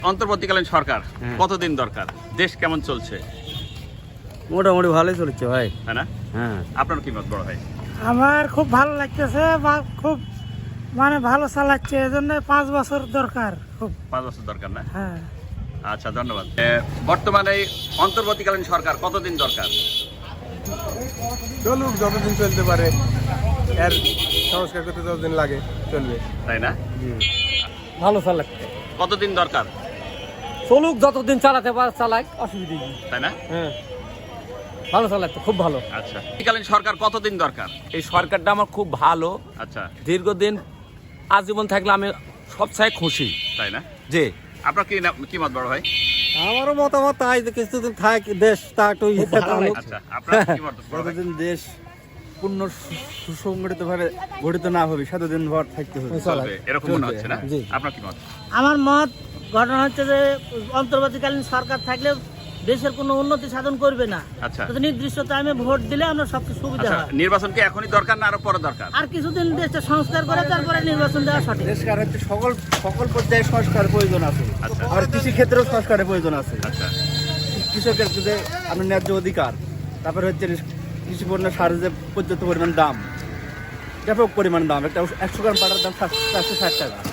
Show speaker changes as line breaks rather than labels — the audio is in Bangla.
অন্তর্বর্তীকালীন সরকার কতদিন দরকার? দেশ কেমন চলছে?
মোটামুটি ভালোই চলছে ভাই।
তাই না?
হ্যাঁ,
আপনার কি মত বড় ভাই?
আমার খুব ভালো লাগতেছে বা খুব মানে ভালো চালাচ্ছে, এজন্য 5 বছর দরকার খুব।
5 বছর দরকার না?
হ্যাঁ,
আচ্ছা, ধন্যবাদ। বর্তমানে এই অন্তর্বর্তীকালীন সরকার কতদিন দরকার?
চলুক, যতদিন চলতে পারে, এর সংস্কার করতে যতদিন লাগে চলবে।
তাই না?
ভালো চালাচ্ছে।
কতদিন দরকার?
চলুক, যতদিন চালাতে পারে চালাক, অসুবিধা নেই।
তাই না?
হ্যাঁ, ভালো চালাচ্ছে, খুব ভালো।
আচ্ছা, অন্তর্বর্তীকালীন সরকার কতদিন দরকার?
এই সরকারটা আমার খুব ভালো,
আচ্ছা,
দীর্ঘদিন আজীবন থাকলে আমি সবচেয়ে খুশি।
তাই না?
যে
আপনার কি মত বড় ভাই?
আমারও মতামত তাই যে কিছুদিন থাক, দেশ তা একটু
আচ্ছা, আপনার কি মত বড় ভাই?
যতদিন দেশ পূর্ণ সুসংগঠিত ভাবে গঠিত না হবে ততদিন ভর থাকতে হবে।
চলবে এরকম মনে হচ্ছে না?
জি।
আপনার কি মত?
আমার মত ঘটনা হচ্ছে যে অন্তর্বর্তীকালীন সরকার থাকলে দেশের কোনো উন্নতি সাধন করবে না।
আচ্ছা,
তো নির্দিষ্ট টাইমে ভোট দিলে আমরা সবচেয়ে সুবিধা
আচ্ছা,
হয়।
নির্বাচন কি এখনই দরকার না আরো পরে দরকার?
আর কিছুদিন দেশটা সংস্কার করে তারপরে নির্বাচন দেওয়া সঠিক।
দেশকার হচ্ছে সকল পর্যায়ে সংস্কারের প্রয়োজন আছে।
আচ্ছা,
আর কৃষি ক্ষেত্রেও সংস্কারের প্রয়োজন আছে।
আচ্ছা,
কৃষকের যে আপনার ন্যায্য অধিকার, তারপরে হচ্ছে কৃষি পণ্য সারের যে পর্যাপ্ত পরিমাণ দাম, ব্যাপক পরিমাণ দাম, একটা 100 গ্রাম পাটার দাম 760 টাকা।